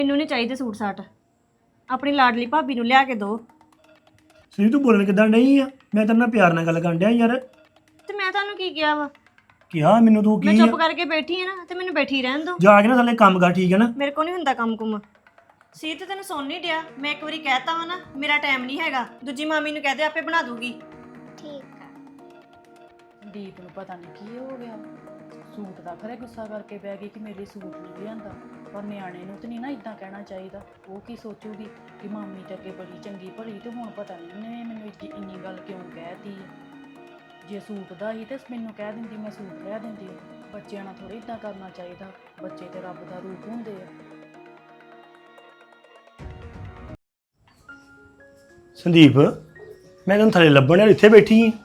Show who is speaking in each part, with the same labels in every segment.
Speaker 1: ਮੈਨੂੰ ਨਹੀਂ ਚਾਹੀਦੇ ਸੂਟ ਸਾਟ। ਆਪਣੀ ਲਾਡਲੀ ਭਾਬੀ ਨੂੰ ਲਿਆ ਕੇ ਦਿਓ।
Speaker 2: ਸਰੀ ਤੂੰ ਬੋਲਣ ਕਿੱਦਾਂ ਨਹੀਂ ਆ? ਮੈਂ ਤੇਰੇ ਨਾਲ ਪਿਆਰ ਨਾਲ ਗੱਲ ਕਰਨ ਡਿਆ ਯਾਰ।
Speaker 1: ਤੇ ਮੈਂ ਤੁਹਾਨੂੰ ਕੀ ਕਿਹਾ ਵਾ?
Speaker 2: ਕਿਹਾ ਮੈਨੂੰ ਤੂੰ
Speaker 1: ਮੈਂ
Speaker 2: ਕੀ
Speaker 1: ਚੁੱਪ
Speaker 2: ਆ?
Speaker 1: ਕਰਕੇ ਬੈਠੀ ਆ ਨਾ, ਤੇ ਮੈਨੂੰ ਬੈਠੀ ਰਹਿਣ ਦਿਓ।
Speaker 2: ਜਾ ਕੇ ਨਾ ਥੱਲੇ ਕੰਮ ਕਰ, ਠੀਕ ਹੈ ਨਾ?
Speaker 1: ਮੇਰੇ ਕੋਲ ਨਹੀਂ ਹੁੰਦਾ ਕੰਮ ਕੁਮ। ਸੀ ਤੇ ਤੈਨੂੰ ਸੁਣ ਨਹੀਂ ਡਿਆ। ਮੈਂ ਇੱਕ ਵਾਰੀ ਕਹਿਤਾ ਵਾ ਨਾ, ਮੇਰਾ ਟਾਈਮ ਨਹੀਂ ਹੈਗਾ। ਦੂਜੀ ਮਾਮੀ ਨੂੰ ਕਹਦੇ ਆਪੇ ਬਣਾ ਦੂਗੀ।
Speaker 3: ਠੀਕ ਆ।
Speaker 4: ਦੀਪ ਨੂੰ ਪਤਾ ਨਹੀਂ ਕੀ ਹੋ ਗਿਆ, ਸੂਟ ਦਾ ਖਰੇ ਗੁੱਸਾ ਕਰਕੇ ਬਹਿ ਗਈ ਕਿ ਮੇਰੇ ਸੂਟ ਨਹੀਂ ਲਿਆਂਦਾ। ਪਰ ਨਿਆਣੇ ਨੂੰ ਤਾਂ ਨਹੀਂ ਨਾ ਇਦਾਂ ਕਹਿਣਾ ਚਾਹੀਦਾ। ਉਹ ਕੀ ਸੋਚੂਗੀ ਕਿ ਮਾਮੀ ਤਾਂ ਅੱਗੇ ਬੜੀ ਚੰਗੀ ਭਲੀ, ਤੇ ਹੁਣ ਪਤਾ ਨਹੀਂ ਉਹਨੇ ਮੈਨੂੰ ਇੰਨੀ ਗੱਲ ਕਿਉਂ ਕਹਿਤੀ ਹੈ। ਜੇ ਸੂਟ ਦਾ ਹੀ ਤੇ ਮੈਨੂੰ ਕਹਿ ਦਿੰਦੀ, ਮੈਂ ਸੂਟ ਲਿਆ ਦਿੰਦੀ। ਬੱਚਿਆਂ ਨਾਲ ਥੋੜ੍ਹਾ ਇਦਾਂ ਕਰਨਾ ਚਾਹੀਦਾ। ਬੱਚੇ ਤੇ ਰੱਬ ਦਾ ਰੂਪ ਹੁੰਦੇ ਆ।
Speaker 2: ਸੰਦੀਪ, ਮੈਂ ਤੈਨੂੰ ਥੱਲੇ ਲੱਭਣ ਯਾਰ, ਇੱਥੇ ਬੈਠੀ ਆ।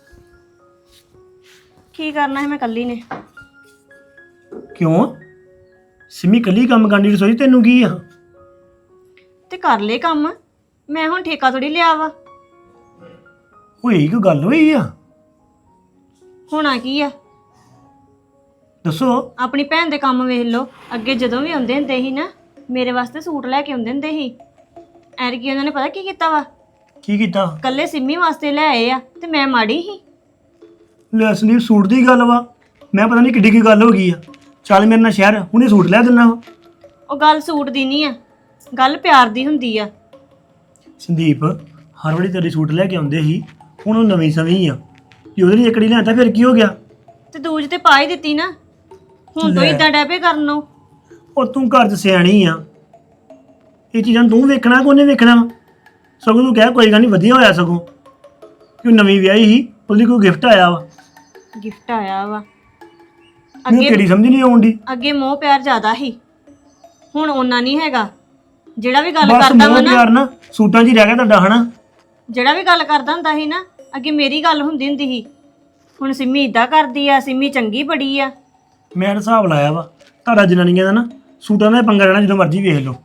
Speaker 1: ਕੀ ਕਰਨਾ ਹੈ ਮੈਂ ਕੱਲੀ ਨੇ?
Speaker 2: ਕਿਉਂ? ਸਿਮੀ ਕੱਲੀ ਕੰਮ ਕਰਨੀ ਰਸੋਈ, ਤੈਨੂੰ ਕੀ ਆ?
Speaker 1: ਤੇ ਕਰ ਲੈ ਕੰਮ। ਮੈਂ ਹੁਣ ਠੇਕਾ ਥੋੜੀ ਲਿਆ ਵਾ।
Speaker 2: ਹੋਈ ਕੋਈ ਗੱਲ ਹੋਈ ਆ?
Speaker 1: ਹੋਣਾ ਕੀ ਆ?
Speaker 2: ਦੱਸੋ।
Speaker 1: ਆਪਣੀ ਭੈਣ ਦੇ ਕੰਮ ਵੇਖ ਲਓ। ਅੱਗੇ ਜਦੋਂ ਵੀ ਆਉਂਦੇ ਹੁੰਦੇ ਸੀ ਨਾ, ਮੇਰੇ ਵਾਸਤੇ ਸੂਟ ਲੈ ਕੇ ਆਉਂਦੇ ਹੁੰਦੇ ਸੀ। ਐਰਕੀ ਉਹਨਾਂ ਨੇ ਪਤਾ ਕੀ ਕੀਤਾ ਵਾ?
Speaker 2: ਕੀ ਕੀਤਾ?
Speaker 1: ਕੱਲੇ ਸਿੰਮੀ ਵਾਸਤੇ ਲੈ ਆਏ ਆ, ਤੇ ਮੈਂ ਮਾੜੀ ਸੀ।
Speaker 2: ਲੈ ਸੰਦੀਪ, ਸੂਟ ਦੀ ਗੱਲ ਵਾ। ਮੈਂ ਪਤਾ ਨਹੀਂ ਕਿੱਡੀ ਕੀ ਗੱਲ ਹੋ ਗਈ ਆ। ਚੱਲ ਮੇਰੇ ਨਾਲ ਸ਼ਹਿਰ, ਹੁਣੇ ਸੂਟ ਲੈ ਦਿੰਦਾ ਵਾ।
Speaker 1: ਉਹ ਗੱਲ ਸੂਟ ਦੀ ਨਹੀਂ ਆ, ਗੱਲ ਪਿਆਰ ਦੀ ਹੁੰਦੀ ਆ।
Speaker 2: ਸੰਦੀਪ, ਹਰ ਵਾਰੀ ਤੇਰੇ ਸੂਟ ਲੈ ਕੇ ਆਉਂਦੇ ਸੀ, ਹੁਣ ਉਹ ਨਵੀਂ ਸਵੀਂ ਆ। ਜੇ ਉਹਦੇ ਲਈ ਇਕੜੀ ਲਿਆਂਦਾ ਫਿਰ ਕੀ ਹੋ ਗਿਆ?
Speaker 1: ਤੇ ਦੂਜ ਤੇ ਪਾ ਹੀ ਦਿੱਤੀ ਨਾ, ਹੁਣ ਤੋਂ
Speaker 2: ਲੈ।
Speaker 1: ਇਦਾਂ ਡੈਪੇ ਕਰਨ ਨੂੰ।
Speaker 2: ਉਹ ਤੂੰ ਘਰ 'ਚ ਸਿਆਣੀ ਆ, ਇਹ ਚੀਜ਼ਾਂ ਤੂੰ ਵੇਖਣਾ ਕੋਨੇ ਵੇਖਣਾ ਵਾ? ਸਗੋਂ ਤੂੰ ਕਹਿ ਕੋਈ ਗੱਲ ਨਹੀਂ, ਵਧੀਆ ਹੋਇਆ ਸਗੋਂ ਕਿ ਉਹ ਨਵੀਂ ਵਿਆਹੀ ਸੀ, ਉਹਦੇ ਕੋਈ ਗਿਫਟ ਆਇਆ ਵਾ।
Speaker 1: ਗਿਫਟ ਆਇਆ ਵਾ।
Speaker 2: ਮੈਨੂੰ
Speaker 1: ਅੱਗੇ
Speaker 2: ਤੇਰੀ ਸਮਝ ਨਹੀਂ ਆਉਂਦੀ।
Speaker 1: ਅੱਗੇ ਮੋਹ ਪਿਆਰ ਜ਼ਿਆਦਾ ਸੀ, ਹੁਣ ਉਹਨਾਂ ਨਹੀਂ ਹੈਗਾ। ਜਿਹੜਾ ਵੀ ਗੱਲ
Speaker 2: ਬਸ
Speaker 1: ਕਰਦਾ ਵਾ
Speaker 2: ਮੋਹ
Speaker 1: ਨਾ,
Speaker 2: ਪਿਆਰ ਨਾ ਸੂਟਾਂ 'ਚ ਹੀ ਰਹਿ ਗਿਆ ਤੁਹਾਡਾ, ਹਨਾ?
Speaker 1: ਜਿਹੜਾ ਵੀ ਗੱਲ ਕਰਦਾ ਹੁੰਦਾ ਸੀ ਨਾ, ਅੱਗੇ ਮੇਰੀ ਗੱਲ ਹੁੰਦੀ ਹੁੰਦੀ ਸੀ। ਹੁਣ ਸਿੰਮੀ ਇਦਾਂ ਕਰਦੀ ਆ, ਸਿੰਮੀ ਚੰਗੀ ਬੜੀ ਆ।
Speaker 2: ਮੈਂ ਤਾਂ ਹਿਸਾਬ ਲਾਇਆ ਵਾ ਤੁਹਾਡਾ ਜਨਾਨੀਆਂ ਦਾ ਨਾ, ਸੂਟਾਂ ਦਾ ਹੀ ਪੰਗਾ ਰਹਿਣਾ, ਜਦੋਂ ਮਰਜ਼ੀ ਵੇਖ ਲਓ।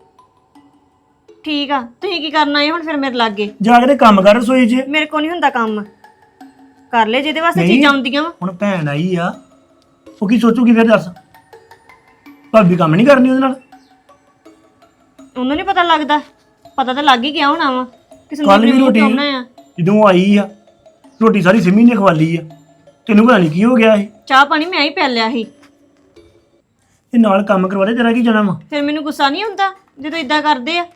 Speaker 1: ਠੀਕ ਆ, ਤੁਸੀਂ ਕੀ ਕਰਨਾ ਹੈ ਹੁਣ ਫਿਰ ਮੇਰੇ ਲਾਗੇ?
Speaker 2: ਜਾ ਕੇ ਤੇ ਕੰਮ ਕਰ ਰਸੋਈ 'ਚ।
Speaker 1: ਮੇਰੇ ਕੋਲ ਨਹੀਂ ਹੁੰਦਾ ਕੰਮ। ਕਰ ਲੈ ਜਿਹਦੇ ਵਾਸਤੇ
Speaker 2: ਨਹੀਂ।
Speaker 1: ਚੀਜ਼ਾਂ ਹੁੰਦੀਆਂ ਵਾ।
Speaker 2: ਹੁਣ ਭੈਣ ਆਈ ਆ, ਉਹ ਕੀ ਸੋਚੂਗੀ ਫਿਰ ਦੱਸ? ਭਾਬੀ ਕੰਮ ਨਹੀਂ ਕਰਨੀ ਉਹਦੇ ਨਾਲ?
Speaker 1: ਉਹਨੂੰ ਨਹੀਂ ਪਤਾ ਲੱਗਦਾ? ਪਤਾ ਤਾਂ ਲੱਗ ਹੀ ਗਿਆ ਹੋਣਾ ਵਾ ਕਿ
Speaker 2: ਕੱਲ
Speaker 1: ਸੰਦੀਪ
Speaker 2: ਵੀ
Speaker 1: ਨੇ ਮੂੰਹ
Speaker 2: ਰੋਟੀ
Speaker 1: ਕਿਉਂ ਬਣਾਇਆ।
Speaker 2: ਜਦੋਂ ਆਈ ਆ, ਰੋਟੀ ਸਾਰੀ ਸਿਮੀ ਨੇ ਖਵਾਲੀ ਆ। ਤੈਨੂੰ ਪਤਾ ਨਹੀਂ ਕੀ ਹੋ ਗਿਆ ਇਹ।
Speaker 1: ਚਾਹ ਪਾਣੀ ਮੈਂ ਹੀ ਪੀ ਲਿਆ ਸੀ।
Speaker 2: ਇਹ ਨਾਲ ਕੰਮ ਕਰਵਾ ਦੇ, ਤੇਰਾ ਕੀ ਜਾਣਾ ਵਾ?
Speaker 1: ਫਿਰ ਮੈਨੂੰ ਗੁੱਸਾ ਨਹੀਂ ਹੁੰਦਾ ਜਦੋਂ ਇਦਾਂ ਕਰਦੇ ਆ?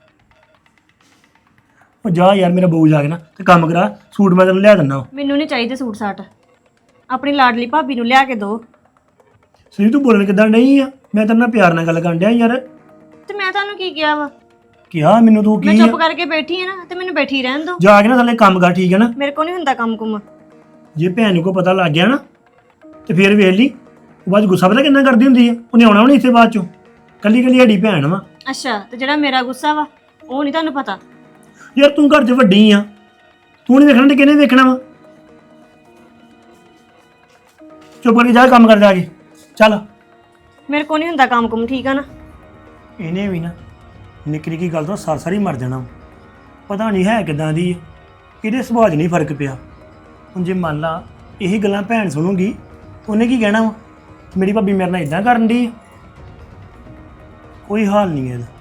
Speaker 2: ਉਹ ਜਾ ਯਾਰ, ਮੇਰਾ ਬਹੂ ਜਾ ਕੇ ਨਾ ਤੇ ਕੰਮ ਕਰਾ, ਸੂਟ ਮੈਂ ਤੈਨੂੰ ਲਿਆ ਦਿੰਦਾ।
Speaker 1: ਮੈਨੂੰ ਨਹੀਂ ਚਾਹੀਦੇ ਸੂਟ ਸਾਟ। ਆਪਣੀ ਲਾਡਲੀ ਭਾਬੀ ਨੂੰ ਲਿਆ ਕੇ ਦਿਓ।
Speaker 2: ਸਰੀ ਤੂੰ ਬੋਲਣ ਕਿੱਦਾਂ ਨਹੀਂ ਆ? ਮੈਂ ਤੇਰੇ ਨਾਲ ਪਿਆਰ ਨਾਲ ਗੱਲ ਕਰਨ ਡਿਆ ਯਾਰ।
Speaker 1: ਤੇ ਮੈਂ ਤੁਹਾਨੂੰ ਕੀ ਕਿਹਾ ਵਾ?
Speaker 2: ਕਿਹਾ ਮੈਨੂੰ ਤੂੰ
Speaker 1: ਮੈਂ
Speaker 2: ਕੀ
Speaker 1: ਚੁੱਪ
Speaker 2: ਆ?
Speaker 1: ਕਰਕੇ ਬੈਠੀ ਆ ਨਾ, ਤੇ ਮੈਨੂੰ ਬੈਠੀ ਰਹਿਣ ਦਿਓ।
Speaker 2: ਜਾ ਕੇ ਨਾ ਥੱਲੇ ਕੰਮ ਕਰ, ਠੀਕ ਹੈ ਨਾ?
Speaker 1: ਮੇਰੇ ਕੋਲ ਨਹੀਂ ਹੁੰਦਾ ਕੰਮ ਕੁਮ।
Speaker 2: ਜੇ ਭੈਣ ਨੂੰ ਕੋਈ ਪਤਾ ਲੱਗ ਗਿਆ ਨਾ, ਤੇ ਫਿਰ ਵੇਖ ਲਈ ਉਹ ਬਾਅਦ 'ਚ ਗੁੱਸਾ ਪਤਾ ਕਿੰਨਾ ਕਰਦੀ ਹੁੰਦੀ ਆ। ਉਹਨੇ ਆਉਣਾ ਵੀ ਨਹੀਂ ਇੱਥੇ ਬਾਅਦ ਚੋਂ। ਕੱਲੀ ਕੱਲੀ ਸਾਡੀ ਭੈਣ ਵਾ।
Speaker 1: ਅੱਛਾ, ਤੇ ਜਿਹੜਾ ਮੇਰਾ ਗੁੱਸਾ ਵਾ ਉਹ ਨਹੀਂ ਤੁਹਾਨੂੰ ਪਤਾ?
Speaker 2: ਯਾਰ ਤੂੰ ਘਰ 'ਚ ਵੱਡੀ ਆ, ਤੂੰ ਨਹੀਂ ਵੇਖਣਾ ਤੇ ਕਿਹਨੇ ਵੇਖਣਾ ਵਾ? ਚੁੱਪ ਕਰਕੇ ਜਾ, ਕੰਮ ਕਰ ਜਾ ਕੇ। ਚੱਲ।
Speaker 1: ਮੇਰੇ ਕੋਲ ਨਹੀਂ ਹੁੰਦਾ ਕੰਮ ਕੁਮ, ਠੀਕ ਆ ਨਾ?
Speaker 2: ਇਹਨੇ ਵੀ ਨਾ ਨਿੱਕੀ ਨਿੱਕੀ ਗੱਲ ਤੋਂ ਸਾਰੀ ਮਰ ਜਾਣਾ। ਪਤਾ ਨਹੀਂ ਹੈ ਕਿਦਾਂ ਦੀ, ਇਹਦੇ ਸੁਭਾਅ 'ਚ ਨਹੀਂ ਫਰਕ ਪਿਆ। ਹੁਣ ਜੇ ਮੰਨ ਲਾ ਇਹੀ ਗੱਲਾਂ ਭੈਣ ਸੁਣੂਗੀ, ਉਹਨੇ ਕੀ ਕਹਿਣਾ ਵਾ? ਮੇਰੀ ਭਾਬੀ ਮੇਰੇ ਨਾਲ ਇਦਾਂ ਕਰਨ ਦੀ। ਕੋਈ ਹਾਲ ਨਹੀਂ ਹੈ ਇਹਦਾ।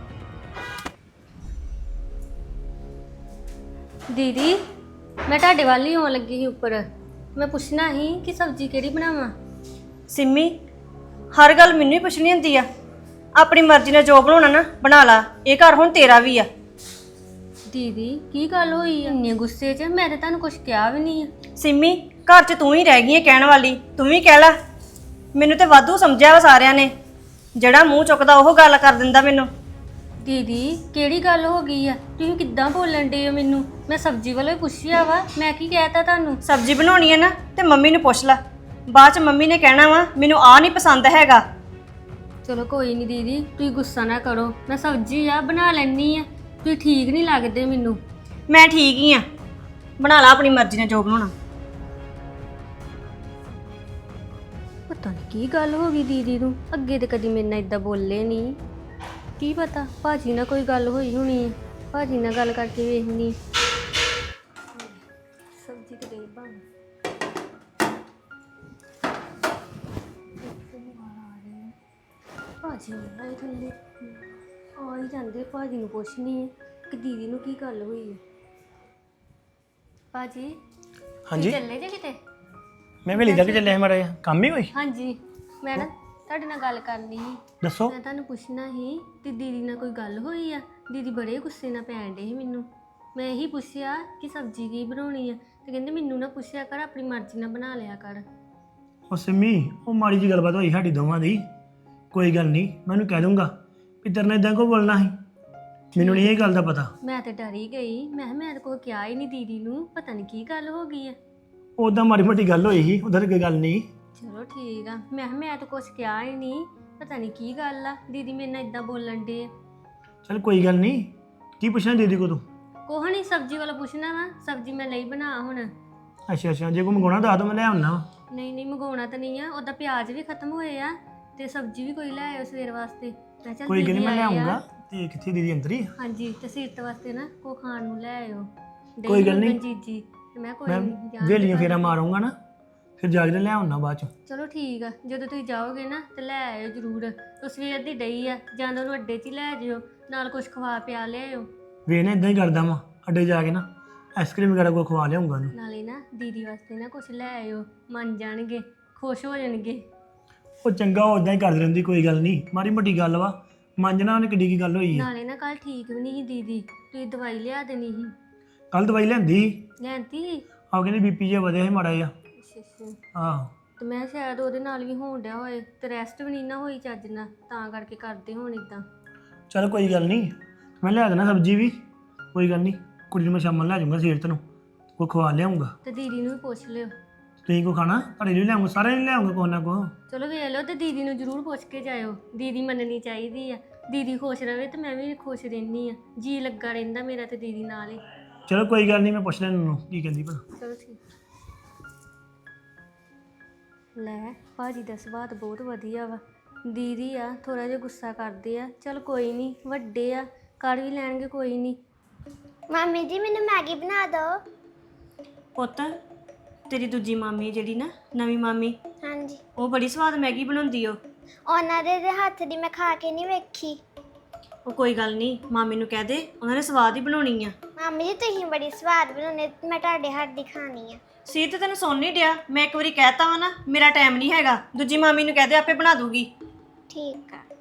Speaker 3: ਦੀਦੀ, ਮੈਂ ਤੁਹਾਡੇ ਵੱਲ ਹੀ ਆਉਣ ਲੱਗੀ ਸੀ ਉੱਪਰ। ਮੈਂ ਪੁੱਛਣਾ ਸੀ ਕਿ ਸਬਜ਼ੀ ਕਿਹੜੀ ਬਣਾਵਾਂ।
Speaker 1: ਸਿੰਮੀ, ਹਰ ਗੱਲ ਮੈਨੂੰ ਹੀ ਪੁੱਛਣੀ ਹੁੰਦੀ ਆ? ਆਪਣੀ ਮਰਜ਼ੀ ਨਾਲ ਜੋ ਬਣਾਉਣਾ ਨਾ ਬਣਾ ਲਾ। ਇਹ ਘਰ ਹੁਣ ਤੇਰਾ ਵੀ ਆ।
Speaker 3: ਦੀਦੀ, ਕੀ ਗੱਲ ਹੋਈ ਆ ਇੰਨੇ ਗੁੱਸੇ 'ਚ? ਮੈਂ ਤਾਂ ਤੁਹਾਨੂੰ ਕੁਝ ਕਿਹਾ ਵੀ ਨਹੀਂ ਆ।
Speaker 1: ਸਿੰਮੀ, ਘਰ 'ਚ ਤੂੰ ਹੀ ਰਹਿ ਗਈ ਹੈ ਕਹਿਣ ਵਾਲੀ। ਤੂੰ ਵੀ ਕਹਿ ਲੈ। ਮੈਨੂੰ ਤੇ ਵਾਧੂ ਸਮਝਿਆ ਵਾ ਸਾਰਿਆਂ ਨੇ। ਜਿਹੜਾ ਮੂੰਹ ਚੁੱਕਦਾ ਉਹ ਗੱਲ ਕਰ ਦਿੰਦਾ ਮੈਨੂੰ।
Speaker 3: ਦੀਦੀ, ਕਿਹੜੀ ਗੱਲ ਹੋ ਗਈ ਆ? ਤੁਸੀਂ ਕਿੱਦਾਂ ਬੋਲਣ ਡੇ ਹੋ ਮੈਨੂੰ? ਮੈਂ ਸਬਜ਼ੀ ਵੱਲੋਂ ਹੀ ਪੁੱਛਿਆ ਵਾ। ਮੈਂ ਕੀ ਕਹਿਤਾ ਤੁਹਾਨੂੰ?
Speaker 1: ਸਬਜ਼ੀ ਬਣਾਉਣੀ ਹੈ ਨਾ ਤੇ ਮੰਮੀ ਨੂੰ ਪੁੱਛ ਲੈ। ਬਾਅਦ 'ਚ ਮੰਮੀ ਨੇ ਕਹਿਣਾ ਵਾ ਮੈਨੂੰ ਆਹ ਨਹੀਂ ਪਸੰਦ ਹੈਗਾ।
Speaker 3: ਚਲੋ ਕੋਈ ਨਹੀਂ ਦੀਦੀ, ਤੁਸੀਂ ਗੁੱਸਾ ਨਾ ਕਰੋ। ਮੈਂ ਸਬਜ਼ੀ ਆ ਬਣਾ ਲੈਣੀ ਆ। ਤੁਸੀਂ ਠੀਕ ਨਹੀਂ ਲੱਗਦੇ ਮੈਨੂੰ।
Speaker 1: ਮੈਂ ਠੀਕ ਹੀ ਆ। ਬਣਾ ਲਾ ਆਪਣੀ ਮਰਜ਼ੀ ਨਾਲ ਜੋ ਬਣਾਉਣਾ।
Speaker 3: ਪਤਾ ਨਹੀਂ ਕੀ ਗੱਲ ਹੋ ਗਈ ਦੀਦੀ ਨੂੰ। ਅੱਗੇ ਤੇ ਕਦੀ ਮੇਰੇ ਨਾਲ ਇਦਾਂ ਬੋਲੇ ਨਹੀਂ। ਕੀ ਪਤਾ ਭਾਜੀ ਨਾਲ ਕੋਈ ਗੱਲ ਹੋਈ ਹੋਣੀ ਹੈ। ਭਾਜੀ ਨਾਲ ਗੱਲ ਕਰਕੇ ਵੇਖਣੀ। ਸਬਜ਼ੀ ਤੇ ਗਈ ਬਣ। ਭਾਜੀ ਆਏ ਥੱਲੇ। ਆ ਹੀ ਜਾਂਦੇ, ਭਾਜੀ ਨੂੰ ਪੁੱਛਣੀ ਹੈ ਕਿ ਦੀਦੀ ਨੂੰ ਕੀ ਗੱਲ ਹੋਈ ਹੈ। ਭਾਜੀ
Speaker 2: ਹਾਂਜੀ
Speaker 3: ਚੱਲੇ ਜੇ ਕਿਤੇ?
Speaker 2: ਮੈਂ ਵੇਲੀ ਤੱਕ ਚੱਲਿਆ ਸੀ ਮਾੜਾ ਜਿਹਾ ਕੰਮ ਹੀ ਕੋਈ।
Speaker 3: ਹਾਂਜੀ, ਮੈਂ ਨਾ ਤੁਹਾਡੇ ਨਾਲ ਗੱਲ ਕਰਨੀ ਸੀ।
Speaker 2: ਦੱਸੋ।
Speaker 3: ਮੈਂ ਤੁਹਾਨੂੰ ਪੁੱਛਣਾ ਸੀ ਤੇ ਦੀਦੀ ਨਾਲ ਕੋਈ ਗੱਲ ਹੋਈ ਆ? ਦੀਦੀ ਬੜੇ ਗੁੱਸੇ ਨਾਲ ਪੈਣ ਡੇ ਸੀ ਮੈਨੂੰ। ਮੈਂ ਇਹੀ ਪੁੱਛਿਆ ਕਿ ਸਬਜ਼ੀ ਕੀ ਬਣਾਉਣੀ ਆ, ਤੇ ਕਹਿੰਦੇ ਮੈਨੂੰ ਨਾ ਪੁੱਛਿਆ ਕਰ, ਆਪਣੀ ਮਰਜ਼ੀ ਨਾਲ ਬਣਾ ਲਿਆ ਕਰ।
Speaker 2: ਉਹ ਸਿੰਮੀ, ਉਹ ਮਾੜੀ ਜੀ ਗੱਲਬਾਤ ਹੋਈ ਸਾਡੀ ਦੋਵਾਂ ਦੀ, ਕੋਈ ਗੱਲ ਨਹੀਂ, ਮੈਂ ਉਹਨੂੰ ਕਹਿ ਦੂੰਗਾ ਵੀ ਤੇਰੇ ਨਾਲ ਇਦਾਂ ਕੋ ਬੋਲਣਾ ਸੀ, ਮੈਨੂੰ ਨਹੀਂ ਇਹ ਗੱਲ ਦਾ ਪਤਾ।
Speaker 3: ਮੈਂ ਤੇ ਡਰ ਹੀ ਗਈ, ਮੈਂ ਕਿਹਾ ਮੈਂ ਤਾਂ ਕੋਈ ਕਿਹਾ ਹੀ ਨਹੀਂ ਦੀਦੀ ਨੂੰ, ਪਤਾ ਨਹੀਂ ਕੀ ਗੱਲ ਹੋ ਗਈ ਆ।
Speaker 2: ਉਦਾਂ ਮਾੜੀ ਮੋਟੀ ਗੱਲ ਹੋਈ ਸੀ, ਉਧਰ ਕੋਈ ਗੱਲ ਨਹੀਂ।
Speaker 3: ਚਲੋ ਠੀਕ ਆ, ਮੈਂ ਕਿਹਾ ਮੈਂ ਤਾਂ ਕੁਝ ਕਿਹਾ ਹੀ ਨਹੀਂ, ਪਤਾ ਨਹੀਂ ਕੀ ਗੱਲ ਆ, ਦੀਦੀ ਮੇਰੇ ਨਾਲ ਇਦਾਂ ਬੋਲਣ ਡੇ ਆ।
Speaker 2: ਚਲ ਕੋਈ ਗੱਲ ਨਹੀਂ, ਕੀ ਪੁੱਛਣਾ ਦੀਦੀ ਕੋ ਤੂੰ?
Speaker 3: ਕੋਹ ਨਹੀਂ, ਸਬਜ਼ੀ ਵਾਲਾ ਪੁੱਛਣਾ ਵਾ, ਸਬਜ਼ੀ ਮੈਂ ਲਈ ਬਣਾ ਹੁਣ।
Speaker 2: ਅੱਛਾ ਅੱਛਾ, ਜੇ ਕੋਈ ਮੰਗਾਉਣਾ ਦੱਸ ਦੋ, ਮੈਂ ਲੈ ਆਉਣਾ।
Speaker 3: ਨਹੀਂ ਨਹੀਂ, ਮੰਗਾਉਣਾ ਤਾਂ ਨਹੀਂ ਆ, ਉਹਦਾ ਪਿਆਜ਼ ਵੀ ਖਤਮ ਹੋਏ ਆ ਤੇ ਸਬਜ਼ੀ ਵੀ ਕੋਈ ਲੈ ਆਇਓ ਸਵੇਰ ਵਾਸਤੇ। ਮੈਂ ਚੱਲ
Speaker 2: ਕੋਈ ਗੱਲ ਨਹੀਂ, ਮੈਂ ਲੈ
Speaker 3: ਆਏ ਆ।
Speaker 2: ਆਉਂਗਾ। ਤੇ ਕਿੱਥੇ ਦੀਦੀ ਅੰਦਰ ਹੀ?
Speaker 3: ਹਾਂਜੀ, ਤੇ ਸੀਰਤ ਵਾਸਤੇ ਨਾ ਕੋ ਖਾਣ ਨੂੰ ਲੈ ਆਇਓ।
Speaker 2: ਕੋਈ ਗੱਲ ਨਹੀਂ।
Speaker 3: ਜੀਜੀ ਤੇ ਮੈਂ ਕੋਈ
Speaker 2: ਮੈਂ
Speaker 3: ਨਹੀਂ ਜਾਣ
Speaker 2: ਵੇਲੀਆਂ
Speaker 3: ਦੇ
Speaker 2: ਫੇਰਾ ਮਾਰੂੰਗਾ ਨਾ, ਫਿਰ ਜਾ ਕੇ ਲੈ ਆਉਣਾ ਬਾਅਦ ਚ।
Speaker 3: ਚਲੋ ਠੀਕ ਆ, ਜਦੋਂ ਤੁਸੀਂ ਜਾਓਗੇ ਨਾ ਤੇ ਲੈ ਆਇਓ ਜ਼ਰੂਰ। ਉਹ ਸਵੇਰ ਦੀ ਡਈ ਆ, ਜਾਂ ਤਾਂ ਉਹਨੂੰ ਅੱਡੇ 'ਚ ਹੀ ਲੈ ਜਿਓ, ਨਾਲ ਕੁਝ ਖਵਾ ਪਿਆ ਲਿਆਇਓ।
Speaker 2: ਵੇ ਨਾ ਇਦਾਂ ਹੀ ਕਰਦਾ ਵਾਂ, ਅੱਡੇ ਜਾ ਕੇ ਨਾ ਆਈਸਕ੍ਰੀਮ ਵਗੈਰਾ ਕੋ ਖਵਾ ਲਿਆਉਂਗਾ ਉਹਨੂੰ।
Speaker 3: ਨਾਲੇ ਨਾ ਦੀਦੀ ਵਾਸਤੇ ਨਾ ਕੁਝ ਲੈ ਆਇਓ, ਮੰਨ ਜਾਣਗੇ, ਖੁਸ਼ ਹੋ ਜਾਣਗੇ।
Speaker 2: ਉਹ ਚੰਗਾ, ਉਹ ਇਦਾਂ ਹੀ ਕਰਦੀ ਰਹਿੰਦੀ, ਕੋਈ ਗੱਲ ਨਹੀਂ, ਮਾੜੀ ਮੋਟੀ ਗੱਲ ਵਾ, ਮੰਨਣਾ ਉਹਨੇ ਕਿੱਡੀ ਕੀ ਗੱਲ ਹੋਈ ਹੈ।
Speaker 3: ਨਾਲੇ ਨਾ ਕੱਲ ਠੀਕ ਵੀ ਨਹੀਂ ਸੀ ਦੀਦੀ, ਤੁਸੀਂ ਦਵਾਈ ਲਿਆ ਦੇਣੀ ਸੀ।
Speaker 2: ਕੱਲ ਦਵਾਈ ਲੈਂਦੀ ਸੀ,
Speaker 3: ਲੈਂਦੀ ਸੀ?
Speaker 2: ਆ ਕਹਿੰਦੀ ਬੀਪੀ ਜਿਹਾ ਵਧਿਆ ਸੀ ਮਾੜਾ ਜਿਹਾ।
Speaker 3: ਅੱਛਾ ਅੱਛਾ।
Speaker 2: ਆਹੋ,
Speaker 3: ਤੇ ਮੈਂ ਸ਼ਾਇਦ ਉਹਦੇ ਨਾਲ ਵੀ ਹੋਣ ਡਿਆ ਹੋਏ, ਤੇ ਰੈਸਟ ਵੀ ਨਹੀਂ ਨਾ ਹੋਈ ਚੱਜ ਨਾਲ, ਤਾਂ ਕਰਕੇ ਕਰਦੇ ਹੁਣ ਇਦਾਂ।
Speaker 2: ਚਲ ਕੋਈ ਗੱਲ ਨਹੀਂ, ਮੈਂ ਲਿਆ ਦੇਣਾ ਸਬਜ਼ੀ ਵੀ, ਕੋਈ ਗੱਲ ਨਹੀਂ, ਕੁੜੀ ਨੂੰ ਮੈਂ ਸ਼ਾਮ ਨੂੰ ਲੈ ਜਾਊਂਗਾ ਸੀਰਤ ਨੂੰ, ਉਹ ਖਵਾ ਲਿਆਉਂਗਾ।
Speaker 3: ਤੇ ਦੀਦੀ ਨੂੰ ਵੀ ਪੁੱਛ ਲਿਓ।
Speaker 2: ਤੁਸੀਂ ਕੋ ਖਾਣਾ? ਤੁਹਾਡੇ ਲਈ ਲਿਆਉਂਗਾ, ਸਾਰਿਆਂ ਲਈ ਲਿਆਉਂਗਾ ਕੋਈ ਨਾ ਕੋ।
Speaker 3: ਚਲੋ ਵੇਖ ਲਓ, ਤੇ ਦੀਦੀ ਨੂੰ ਜ਼ਰੂਰ ਪੁੱਛ ਕੇ ਜਾਇਓ, ਦੀਦੀ ਮੰਨਣੀ ਚਾਹੀਦੀ ਆ। ਦੀਦੀ ਖੁਸ਼ ਰਵੇ ਤੇ ਮੈਂ ਵੀ ਖੁਸ਼ ਰਹਿੰਦੀ ਆ, ਜੀ ਲੱਗਾ ਰਹਿੰਦਾ ਮੇਰਾ ਤੇ ਦੀਦੀ ਨਾਲ ਹੀ।
Speaker 2: ਚਲੋ ਕੋਈ ਗੱਲ ਨਹੀਂ, ਮੈਂ ਪੁੱਛ ਲੈਣ ਉਹਨੂੰ ਕੀ ਕਹਿੰਦੀ ਭਲਾ।
Speaker 3: ਚਲੋ ਠੀਕ। ਲੈ, ਭਾਜੀ ਦਾ ਸੁਭਾਅ ਤਾਂ ਬਹੁਤ ਵਧੀਆ ਵਾ। ਦੀਦੀ ਆ ਥੋੜਾ ਜਿਹਾ ਗੁੱਸਾ ਕਰਦੇ ਆ, ਚਲ ਕੋਈ ਨਹੀਂ, ਵੱਡੇ ਆ, ਕਰ ਵੀ ਲੈਣਗੇ, ਕੋਈ ਨਹੀਂ।
Speaker 5: ਮਾਮੀ ਜੀ ਮੈਨੂੰ ਮੈਗੀ ਬਣਾ ਦਿਓ।
Speaker 1: ਪੁੱਤ, ਤੇਰੀ ਦੂਜੀ ਮਾਮੀ ਜਿਹੜੀ ਨਾ, ਨਵੀਂ ਮਾਮੀ,
Speaker 5: ਹਾਂਜੀ,
Speaker 1: ਉਹ ਬੜੀ ਸਵਾਦ ਮੈਗੀ ਬਣਾਉਂਦੀ ਓ।
Speaker 5: ਉਹਨਾਂ ਦੇ ਹੱਥ ਦੀ ਮੈਂ ਖਾ ਕੇ ਨਹੀਂ ਵੇਖੀ।
Speaker 1: ਉਹ ਕੋਈ ਗੱਲ ਨਹੀਂ, ਮਾਮੀ ਨੂੰ ਕਹਿ ਦੇ, ਉਹਨਾਂ ਨੇ ਸਵਾਦ ਹੀ ਬਣਾਉਣੀ ਆ।
Speaker 5: ਮਾਮੀ ਜੀ ਤੁਸੀਂ ਬੜੀ ਸਵਾਦ ਬਣਾਉਂਦੇ, ਮੈਂ ਤੁਹਾਡੇ ਹੱਥ ਦੀ ਖਾਣੀ ਆ।
Speaker 1: ਸੀਤ ਤੈਨੂੰ ਸੁਣ ਨਹੀਂ ਡਿਆ, ਮੈਂ ਇੱਕ ਵਾਰੀ ਕਹਿਤਾ ਵਾ ਨਾ, ਮੇਰਾ ਟਾਈਮ ਨਹੀਂ ਹੈਗਾ। ਦੂਜੀ ਮਾਮੀ ਨੂੰ ਕਹਿ ਦੇ, ਆਪੇ ਬਣਾ ਦੂਗੀ।
Speaker 5: ਠੀਕ ਆ।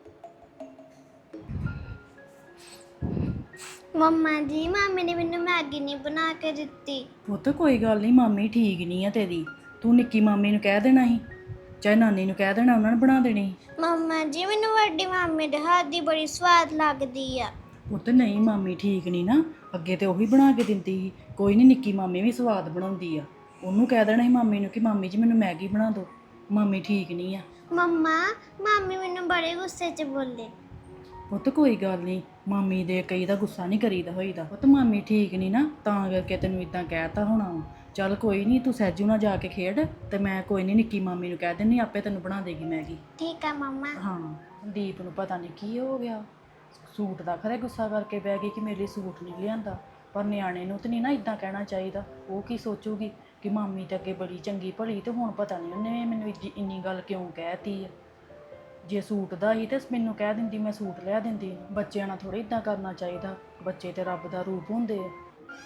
Speaker 5: ਮੰਮਾ ਜੀ, ਮਾਮੀ ਨੇ ਮੈਨੂੰ ਮੈਗੀ ਨਹੀਂ ਬਣਾ ਕੇ ਦਿੱਤੀ।
Speaker 4: ਪੁੱਤ ਕੋਈ ਗੱਲ ਨਹੀਂ, ਮਾਮੀ ਠੀਕ ਨਹੀਂ ਆ ਤੇਰੀ, ਤੂੰ ਨਿੱਕੀ ਮਾਮੀ ਨੂੰ ਕਹਿ ਦੇਣਾ ਸੀ, ਚਾਹੇ ਨਾਨੀ ਨੂੰ ਕਹਿ ਦੇਣਾ, ਉਹਨਾਂ ਨੇ ਬਣਾ ਦੇਣੀ।
Speaker 5: ਮੰਮਾ ਜੀ, ਮੈਨੂੰ ਵੱਡੀ ਮਾਮੀ ਦੇ ਹੱਥ ਦੀ ਬੜੀ ਸਵਾਦ ਲੱਗਦੀ ਆ।
Speaker 4: ਪੁੱਤ ਨਹੀਂ, ਮਾਮੀ ਠੀਕ ਨਹੀਂ ਨਾ, ਅੱਗੇ ਤੇ ਉਹੀ ਬਣਾ ਕੇ ਦਿੰਦੀ ਸੀ। ਕੋਈ ਨਹੀਂ, ਨਿੱਕੀ ਮਾਮੀ ਵੀ ਸਵਾਦ ਬਣਾਉਂਦੀ ਆ, ਉਹਨੂੰ ਕਹਿ ਦੇਣਾ ਸੀ ਮਾਮੀ ਨੂੰ ਕਿ ਮਾਮੀ ਜੀ ਮੈਨੂੰ ਮੈਗੀ ਬਣਾ ਦਿਓ, ਮਾਮੀ ਠੀਕ ਨਹੀਂ ਆ।
Speaker 5: ਮੰਮਾ, ਮਾਮੀ ਮੈਨੂੰ ਬੜੇ ਗੁੱਸੇ 'ਚ ਬੋਲੇ।
Speaker 4: ਪੁੱਤ ਕੋਈ ਗੱਲ ਨਹੀਂ, ਮਾਮੀ ਦੇ ਕਈ ਦਾ ਗੁੱਸਾ ਨਹੀਂ ਕਰੀਦਾ ਹੋਈਦਾ। ਪੁੱਤ ਮਾਮੀ ਠੀਕ ਨਹੀਂ ਨਾ, ਤਾਂ ਕਰਕੇ ਤੈਨੂੰ ਇਦਾਂ ਕਹਿਤਾ ਹੋਣਾ। ਚੱਲ ਕੋਈ ਨਹੀਂ, ਤੂੰ ਸਹਿਜੂ ਨਾਲ ਜਾ ਕੇ ਖੇਡ, ਤੇ ਮੈਂ ਕੋਈ ਨਹੀਂ ਨਿੱਕੀ ਮਾਮੀ ਨੂੰ ਕਹਿ ਦਿੰਦੀ, ਆਪੇ ਤੈਨੂੰ ਬਣਾ ਦੇਗੀ ਮੈਗੀ।
Speaker 5: ਠੀਕ ਆ ਮੰਮਾ।
Speaker 4: ਹਾਂ, ਦੀਪ ਨੂੰ ਪਤਾ ਨਹੀਂ ਕੀ ਹੋ ਗਿਆ, ਸੂਟ ਦਾ ਖਰੇ ਗੁੱਸਾ ਕਰਕੇ ਬਹਿ ਗਈ ਕਿ ਮੇਰੇ ਲਈ ਸੂਟ ਨਹੀਂ ਲਿਆਂਦਾ। ਪਰ ਨਿਆਣੇ ਨੂੰ ਤਾਂ ਨਹੀਂ ਨਾ ਇਦਾਂ ਕਹਿਣਾ ਚਾਹੀਦਾ, ਉਹ ਕੀ ਸੋਚੂਗੀ ਕਿ ਮਾਮੀ ਤੇ ਅੱਗੇ ਬੜੀ ਚੰਗੀ ਭਲੀ, ਤੇ ਹੁਣ ਪਤਾ ਨਹੀਂ ਉਹਨੇ ਮੈਨੂੰ ਇੰਨੀ ਗੱਲ ਕਿਉਂ ਕਹਿਤੀ ਹੈ। ਜੇ ਸੂਟ ਦਾ ਹੀ ਤੇ ਮੈਨੂੰ ਕਹਿ ਦਿੰਦੀ, ਮੈਂ ਸੂਟ ਲਿਆ ਦਿੰਦੀ। ਬੱਚਿਆਂ ਨਾਲ ਥੋੜ੍ਹਾ ਇਦਾਂ ਕਰਨਾ ਚਾਹੀਦਾ, ਬੱਚੇ ਤੇ ਰੱਬ ਦਾ ਰੂਪ ਹੁੰਦੇ ਆ।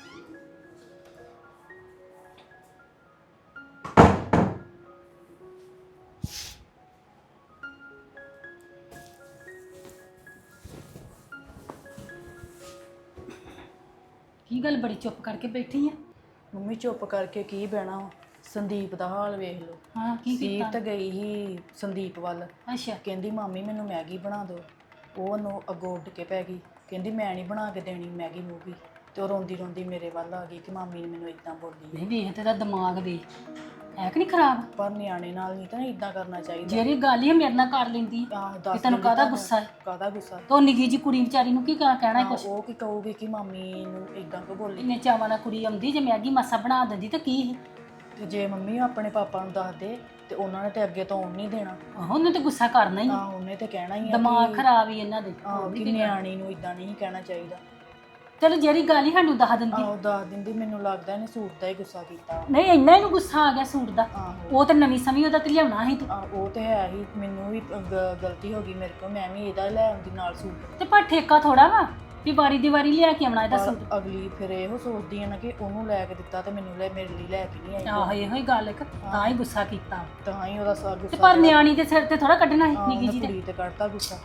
Speaker 6: ਕੀ ਗੱਲ ਬੜੀ ਚੁੱਪ ਕਰਕੇ ਬੈਠੀ ਆ?
Speaker 4: ਮੰਮੀ ਚੁੱਪ ਕਰਕੇ ਕੀ ਬਹਿਣਾ ਵਾ, ਸੰਦੀਪ ਦਾ ਹਾਲ ਵੇਖ ਲਓ।
Speaker 6: ਹਾਂ, ਕੀ ਕੀਤਾ?
Speaker 4: ਸੀਰਤ ਗਈ ਸੀ ਸੰਦੀਪ ਵੱਲ,
Speaker 6: ਅੱਛਾ,
Speaker 4: ਕਹਿੰਦੀ ਮਾਮੀ ਮੈਨੂੰ ਮੈਗੀ ਬਣਾ ਦਿਓ। ਉਹ ਉਹਨੂੰ ਅੱਗੋਂ ਉੱਡ ਕੇ ਪੈ ਗਈ, ਕਹਿੰਦੀ ਮੈਂ ਨਹੀਂ ਬਣਾ ਕੇ ਦੇਣੀ ਮੈਗੀ ਮੂਗੀ, ਤੇ ਉਹ ਰੋਂਦੀ ਰੋਂਦੀ ਮੇਰੇ ਵੱਲ ਆ ਗਈ ਕਿ ਮਾਮੀ ਨੇ ਮੈਨੂੰ ਇਦਾਂ ਬੋਲੀ।
Speaker 6: ਨਹੀਂ ਵੇਖ ਤੇਰਾ ਦਿਮਾਗ ਵੇ ਹੈ ਕਿ ਨਹੀਂ ਖਰਾਬ?
Speaker 4: ਪਰ ਨਿਆਣੇ ਨਾਲ ਨਹੀਂ ਤਾਂ ਇਦਾਂ ਕਰਨਾ ਚਾਹੀਦਾ।
Speaker 6: ਜਿਹੜੀ ਗੱਲ ਹੀ ਮੇਰੇ ਨਾਲ ਕਰ ਲੈਂਦੀ
Speaker 4: ਆਹ
Speaker 6: ਕਿ
Speaker 4: ਦੱਸ
Speaker 6: ਤੈਨੂੰ
Speaker 4: ਦਿੰਦੀ
Speaker 6: ਕਾਹਦਾ
Speaker 4: ਤੁਹਾਨੂੰ।
Speaker 6: ਗੁੱਸਾ ਹੈ?
Speaker 4: ਕਾਹਦਾ ਗੁੱਸਾ?
Speaker 6: ਤੋ ਨਿੱਕੀ ਜੀ ਕੁੜੀ ਵਿਚਾਰੀ ਨੂੰ ਕੀ ਕਹਿਣਾ
Speaker 4: ਹਾਂ,
Speaker 6: ਕੁਛ?
Speaker 4: ਉਹ ਕੀ ਕਹੂਗੀ ਕਿ ਮਾਮੀ ਨੂੰ ਇਦਾਂ ਕਿਉਂ ਬੋਲੀ।
Speaker 6: ਇੰਨੇ ਚਾਵਾਂ ਨਾਲ ਕੁੜੀ ਆਉਂਦੀ, ਜੇ ਮੈਗੀ ਮਾਸਾ ਬਣਾ ਦਿੰਦੀ ਤਾਂ ਕੀ ਸੀ?
Speaker 4: ਤੇ ਜੇ ਮੰਮੀ ਆਪਣੇ ਪਾਪਾ ਨੂੰ ਦੱਸ ਦੇ ਤੇ ਉਹਨਾਂ ਨੇ ਤੇ ਅੱਗੇ ਤੋਂ ਆਉਣ ਨਹੀਂ ਦੇਣਾ।
Speaker 6: ਆਹੋ, ਉਹਨੇ ਤੇ ਗੁੱਸਾ ਕਰਨਾ ਹੀ ਆ।
Speaker 4: ਉਹਨੇ ਤੇ ਕਹਿਣਾ ਹੀ ਆ
Speaker 6: ਦਿਮਾਗ
Speaker 4: ਕਿ
Speaker 6: ਖਰਾਬ ਹੀ ਇਹਨਾਂ ਦੇ।
Speaker 4: ਕਿ ਨਿਆਣੀ ਨੂੰ ਇਦਾਂ ਨਹੀਂ ਕਹਿਣਾ ਚਾਹੀਦਾ।
Speaker 6: ਚਲੋ ਜਿਹੜੀ ਗੱਲ ਹੀ ਸਾਨੂੰ ਦੱਸ ਦਿੰਦੀ।
Speaker 4: ਆਹੋ ਦੱਸ ਦਿੰਦੀ, ਮੈਨੂੰ ਲੱਗਦਾ ਇਹਨੇ ਸੂਟ ਦਾ ਹੀ ਗੁੱਸਾ ਕੀਤਾ।
Speaker 6: ਨਹੀਂ ਇੰਨਾ ਇਹਨੂੰ ਗੁੱਸਾ ਆ ਗਿਆ ਸੂਟ ਦਾ।
Speaker 4: ਆਹੋ
Speaker 6: ਉਹ ਤਾਂ ਨਵੀਂ ਸਮੀ ਉਹਦਾ ਤੇ ਲਿਆਉਣਾ ਸੀ ਤੂੰ।
Speaker 4: ਉਹ ਤੇ ਹੈ ਹੀ, ਮੈਨੂੰ ਵੀ ਗਲਤੀ ਹੋ ਗਈ ਮੇਰੇ ਕੋਲ, ਮੈਂ ਵੀ ਇਹਦਾ ਲੈ ਆਉਂਦੀ ਨਾਲ ਸੂਟ।
Speaker 6: ਤੇ ਪਰ ਠੇਕਾ ਥੋੜਾ ਵਾ ਵੀ ਵਾਰੀ ਦੀ ਵਾਰੀ ਲਿਆ ਕੇ ਆਉਣਾ ਇਹਦਾ
Speaker 4: ਪਰ
Speaker 6: ਸੂਟ।
Speaker 4: ਅਗਲੀ ਫਿਰ ਇਹੋ ਸੋਚਦੀ ਹੈ ਨਾ ਕਿ ਉਹਨੂੰ ਲੈ ਕੇ ਦਿੱਤਾ ਤੇ ਮੈਨੂੰ ਮੇਰੇ ਲਈ ਲੈ ਕੇ ਨਹੀਂ ਆਈ।
Speaker 6: ਆਹੋ ਇਹੋ ਹੀ ਗੱਲ ਇੱਕ ਤਾਂ ਹੀ ਗੁੱਸਾ ਕੀਤਾ।
Speaker 4: ਤਾਂ ਹੀ ਉਹਦਾ
Speaker 6: ਤੇ
Speaker 4: ਗੁੱਸਾ
Speaker 6: ਪਰ ਨਿਆਣੀ ਦੇ ਸਿਰ ਤੇ ਥੋੜਾ ਕੱਢਣਾ ਸੀ ਨਿੱਕੀ ਜੀ
Speaker 4: ਕੁੜੀ ਤੇ ਕੱਢਤਾ ਗੁੱਸਾ।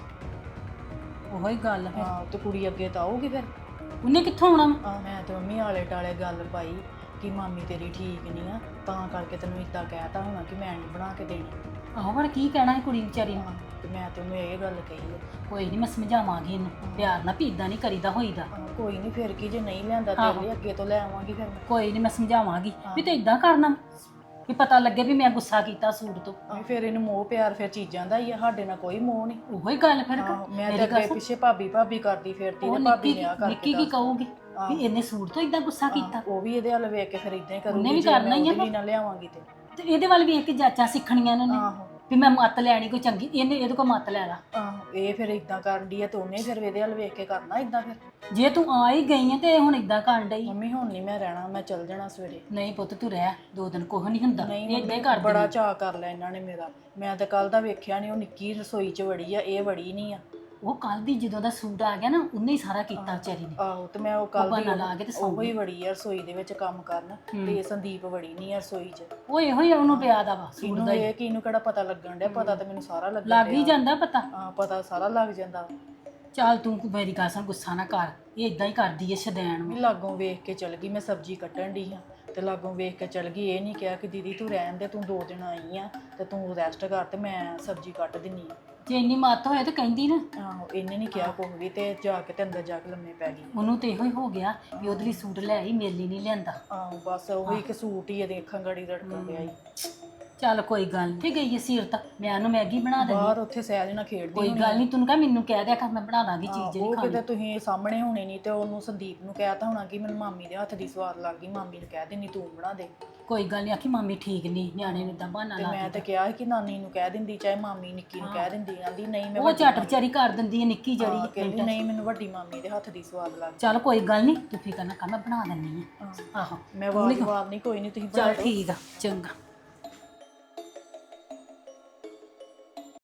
Speaker 6: ਉਹੋ ਹੀ ਗੱਲ ਫਿਰ।
Speaker 4: ਹਾਂ ਤੇ ਕੁੜੀ ਅੱਗੇ ਤਾਂ ਆਊਗੀ ਫਿਰ।
Speaker 6: ਉਹਨੇ ਕਿੱਥੋਂ ਆਉਣਾ ਵਾ?
Speaker 4: ਮੈਂ ਤੇ ਮੰਮੀ ਆਲੇ ਟਾਲੇ ਗੱਲ ਪਾਈ ਕਿ ਮਾਮੀ ਤੇਰੀ ਠੀਕ ਨਹੀਂ ਆ, ਤਾਂ ਕਰਕੇ ਤੈਨੂੰ ਇਦਾਂ ਕਹਿਤਾ ਹੋਣਾ ਕਿ ਮੈਂ ਨਹੀਂ ਬਣਾ ਕੇ ਦੇਣੀ।
Speaker 6: ਆਹੋ ਪਰ ਕੀ ਕਹਿਣਾ ਹੈ ਕੁੜੀ ਵਿਚਾਰੀ ਨੂੰ।
Speaker 4: ਤੇ ਮੈਂ ਤੈਨੂੰ ਇਹ ਗੱਲ ਕਹੀ ਹੈ।
Speaker 6: ਕੋਈ ਨਹੀਂ ਮੈਂ ਸਮਝਾਵਾਂਗੀ ਇਹਨੂੰ ਪਿਆਰ ਨਾਲ ਵੀ ਇਦਾਂ ਨਹੀਂ ਕਰੀਦਾ ਹੋਈਦਾ।
Speaker 4: ਕੋਈ ਨਹੀਂ, ਫਿਰ ਕੀ ਜੇ ਨਹੀਂ ਲਿਆਂਦਾ ਤੇਰੇ ਲਈ ਅੱਗੇ ਤੋਂ ਲੈ ਆਵਾਂਗੀ ਫਿਰ ਮੈਂ।
Speaker 6: ਕੋਈ ਨਹੀਂ ਮੈਂ ਸਮਝਾਵਾਂਗੀ ਵੀ ਤੂੰ ਇਦਾਂ ਕਰਨਾ ਵੀ ਪਤਾ ਲੱਗੇ ਵੀ ਮੈਂ ਗੁੱਸਾ ਕੀਤਾ ਸੂਟ ਤੋਂ।
Speaker 4: ਫਿਰ ਇਹਨੂੰ ਮੋਹ ਪਿਆਰ ਫਿਰ ਚੀਜ਼ਾਂ ਦਾ ਹੀ ਆ, ਸਾਡੇ ਨਾਲ ਕੋਈ ਮੋਹ ਨਹੀਂ।
Speaker 6: ਉਹੋ ਹੀ ਗੱਲ ਫਿਰ
Speaker 4: ਮੈਂ ਤੇ ਅੱਗੇ ਪਿੱਛੇ ਭਾਬੀ ਕਰਦੀ ਫਿਰਦੀ ਤੇ ਭਾਬੀ ਨੇ ਆ ਕਰਕੇ
Speaker 6: ਨਿੱਕੀ ਕੀ ਕਹੂਗੀ ਵੀ ਇਹਨੇ ਸੂਟ ਤੋਂ ਇਦਾਂ ਗੁੱਸਾ ਕੀਤਾ।
Speaker 4: ਉਹ ਵੀ ਇਹਦੇ ਵੱਲ ਵੇਖ ਕੇ ਫਿਰ ਇਦਾਂ ਹੀ ਕਰੂਗੀ।
Speaker 6: ਉਹਨੇ ਵੀ ਕਰਨਾ ਹੀ ਆ
Speaker 4: ਉਹਦੇ ਲਈ ਨਾ ਲਿਆਵਾਂਗੀ
Speaker 6: ਤੇ ਇਹਦੇ ਵੱਲ ਵੇਖ ਕੇ ਜਾਚਾਂ ਸਿੱਖਣੀਆਂ ਇਹਨਾਂ ਨੇ
Speaker 4: ਆਹੋ
Speaker 6: ਵੀ ਮੈਂ ਮੱਤ ਲੈਣੀ ਕੋਈ ਚੰਗੀ, ਇਹਦੇ ਕੋਲ ਮੱਤ ਲੈ ਲਾ।
Speaker 4: ਆਹੋ ਇਹ ਫਿਰ ਇਦਾਂ ਕਰਦੀ ਆ ਤੇ ਉਹਨੇ ਫਿਰ ਇਹਦੇ ਵੱਲ ਵੇਖ ਕੇ ਕਰਨਾ ਇਦਾਂ। ਫਿਰ
Speaker 6: ਜੇ ਤੂੰ ਆ ਹੀ ਗਈ ਹੈ ਤੇ ਹੁਣ ਇਦਾਂ ਕਰਨ ਡਈ।
Speaker 4: ਮੰਮੀ ਹੁਣ ਨਹੀਂ ਮੈਂ ਰਹਿਣਾ, ਮੈਂ ਚੱਲ ਜਾਣਾ ਸਵੇਰੇ।
Speaker 6: ਨਹੀਂ ਪੁੱਤ ਤੂੰ ਰਹਿ, 2 ਦਿਨ ਕੁਝ ਨਹੀਂ ਹੁੰਦਾ।
Speaker 4: ਨਹੀਂ
Speaker 6: ਇਦਾਂ ਹੀ ਕਰ
Speaker 4: ਬੜਾ ਚਾਅ ਕਰ ਲਿਆ ਇਹਨਾਂ ਨੇ ਮੇਰਾ। ਮੈਂ ਤਾਂ ਕੱਲ ਦਾ ਵੇਖਿਆ ਨਹੀਂ, ਉਹ ਨਿੱਕੀ ਰਸੋਈ 'ਚ ਵੜੀ ਆ, ਇਹ ਵੜੀ ਨਹੀਂ ਆ।
Speaker 6: ਉਹ ਕੱਲ ਦੀ ਜਦੋਂ ਦਾ ਸੂਟ ਆ ਗਿਆ ਨਾ ਉਹਨੇ ਹੀ ਸਾਰਾ ਕੀਤਾ ਵਿਚਾਰੀ ਨੇ।
Speaker 4: ਆਹੋ ਤੇ ਮੈਂ ਉਹ ਕੱਲ
Speaker 6: ਬਹਾਨਾ ਲਾ ਕੇ ਤੇ ਸੌਂ
Speaker 4: ਉਹ ਹੀ ਵੜੀ ਆ ਰਸੋਈ ਦੇ ਵਿੱਚ ਕੰਮ ਕਰਨ, ਤੇ ਸੰਦੀਪ ਵੜੀ ਨਹੀਂ ਆ ਰਸੋਈ 'ਚ।
Speaker 6: ਉਹ ਇਹੋ ਹੀ ਉਹਨੂੰ ਪਿਆ ਦਾ ਵਾ ਸੂਟ
Speaker 4: ਇਹਨੂੰ
Speaker 6: ਦਾ ਹੀ।
Speaker 4: ਇਹ ਕਿ ਇਹਨੂੰ ਕਿਹੜਾ ਪਤਾ ਲੱਗਣ ਡਿਆ, ਪਤਾ ਤਾਂ ਮੈਨੂੰ ਸਾਰਾ ਲੱਗਣ
Speaker 6: ਲੱਗ ਹੀ ਜਾਂਦਾ ਪਤਾ।
Speaker 4: ਹਾਂ ਪਤਾ ਸਾਰਾ ਲੱਗ ਜਾਂਦਾ।
Speaker 6: ਚੱਲ ਤੂੰ ਮੇਰੀ ਗੱਲ ਸੁਣ, ਗੁੱਸਾ ਨਾ ਕਰ, ਇਹ ਇਦਾਂ ਹੀ ਕਰਦੀ ਏ ਸ਼ਦੈਣ
Speaker 4: ਵੀ ਲਾਗੋਂ ਵੇਖ ਕੇ ਚਲ ਗਈ, ਮੈਂ ਸਬਜ਼ੀ ਕੱਟਣ ਡਈ ਹਾਂ ਤੇ ਲਾਗੋਂ ਵੇਖ ਕੇ ਚਲ ਗਈ। ਇਹ ਨਹੀਂ ਕਿਹਾ ਕਿ ਦੀਦੀ ਤੂੰ ਰਹਿਣ ਦੇ, ਤੂੰ 2 ਦਿਨ ਆਈ ਆ ਤੇ ਤੂੰ ਰੈਸਟ ਕਰ ਤੇ ਮੈਂ ਸਬਜ਼ੀ ਕੱਟ ਦਿੰਨੀ ਆ।
Speaker 6: ਜੇ ਇੰਨੀ ਮੱਤ ਹੋਏ ਤੇ ਕਹਿੰਦੀ ਨਾ।
Speaker 4: ਆਹੋ ਇਹਨੇ ਨਹੀਂ ਕਿਹਾ ਕੁਝ ਵੀ ਤੇ ਜਾ ਕੇ ਤੇ ਅੰਦਰ ਜਾ ਕੇ ਲੰਮੇ ਪੈ ਗਈ।
Speaker 6: ਉਹਨੂੰ ਤੇ ਇਹੋ ਹੀ ਹੋ ਗਿਆ ਵੀ ਉਹਦੇ ਲਈ ਸੂਟ ਲੈ ਆਈ, ਮੇਰੇ ਲਈ ਨਹੀਂ ਲਿਆਂਦਾ।
Speaker 4: ਆਹੋ ਬਸ ਉਹੀ ਇੱਕ ਸੂਟ ਹੀ ਇਹਦੇ ਅੱਖਾਂ ਗਾੜੀ ਰੜਕਣ ਗਿਆ ਹੀ।
Speaker 6: ਚੱਲ ਕੋਈ ਗੱਲ ਨਹੀਂ, ਗਈ ਏ ਸੀਰਤ, ਮੈਂ ਉਹਨੂੰ ਮੈਗੀ ਬਣਾ ਦਿੰਦੀ।
Speaker 4: ਬਾਹਰ ਉੱਥੇ ਸਹਿਜ ਨਾਲ ਖੇਡਦੀ
Speaker 6: ਕੋਈ ਗੱਲ ਨਹੀਂ, ਤੈਨੂੰ ਕਹ ਮੈਨੂੰ ਕਹਿ ਦਿਆ ਕਰ, ਮੈਂ ਬਣਾ ਦਾਂਗੀ ਚੀਜ਼ ਜਿਹੜੀ
Speaker 4: ਉਹ
Speaker 6: ਖਾਣੀ।
Speaker 4: ਕਿਤੇ ਤੁਸੀਂ ਸਾਹਮਣੇ ਹੋਣੇ ਨਹੀਂ ਤੇ ਉਹਨੂੰ ਸੰਦੀਪ ਨੂੰ ਕਹਿਤਾ ਹੋਣਾ ਕਿ ਮੈਨੂੰ ਮਾਮੀ ਦੇ ਹੱਥ ਦੀ ਸਵਾਦ ਲੱਗ ਗਈ, ਮਾਮੀ ਨੂੰ ਕਹਿ ਦੇਣੀ ਤੂੰ ਬਣਾ ਦੇ।
Speaker 6: ਕੋਈ ਗੱਲ ਨਹੀਂ, ਆਖੀ ਮਾਮੀ ਠੀਕ ਨਹੀਂ, ਨਿਆਣੇ ਨੂੰ ਇਦਾਂ ਬਹਾਨਾ
Speaker 4: ਤੇ
Speaker 6: ਲਾ
Speaker 4: ਮੈਂ ਤੇ ਕਿਹਾ ਸੀ ਕਿ ਨਾਨੀ ਨੂੰ ਕਹਿ ਦਿੰਦੀ, ਚਾਹੇ ਮਾਮੀ ਨਿੱਕੀ ਨੂੰ ਕਹਿ ਦਿੰਦੀ। ਆਂਦੀ ਨਹੀਂ ਮੈਂ
Speaker 6: ਉਹ ਝੱਟ ਵਿਚਾਰੀ ਕਰ ਦਿੰਦੀ ਹੈ ਨਿੱਕੀ ਜਿਹੜੀ।
Speaker 4: ਕਹਿੰਦੀ ਨਹੀਂ ਮੈਨੂੰ ਵੱਡੀ ਮਾਮੀ ਦੇ ਹੱਥ ਦੀ ਸਵਾਦ ਲੱਗ
Speaker 6: ਚੱਲ ਕੋਈ ਗੱਲ ਨਹੀਂ, ਤੂੰ ਫਿਕਰ ਨਾ ਕਰ, ਮੈਂ ਬਣਾ ਦਿੰਦੀ ਆ। ਆਹੋ
Speaker 4: ਮੈਂ ਵਾਰ ਨਹੀਂ ਕੋਈ ਨਹੀਂ ਤੁਸੀਂ
Speaker 6: ਚੱਲ ਠੀਕ ਆ, ਚੰਗਾ।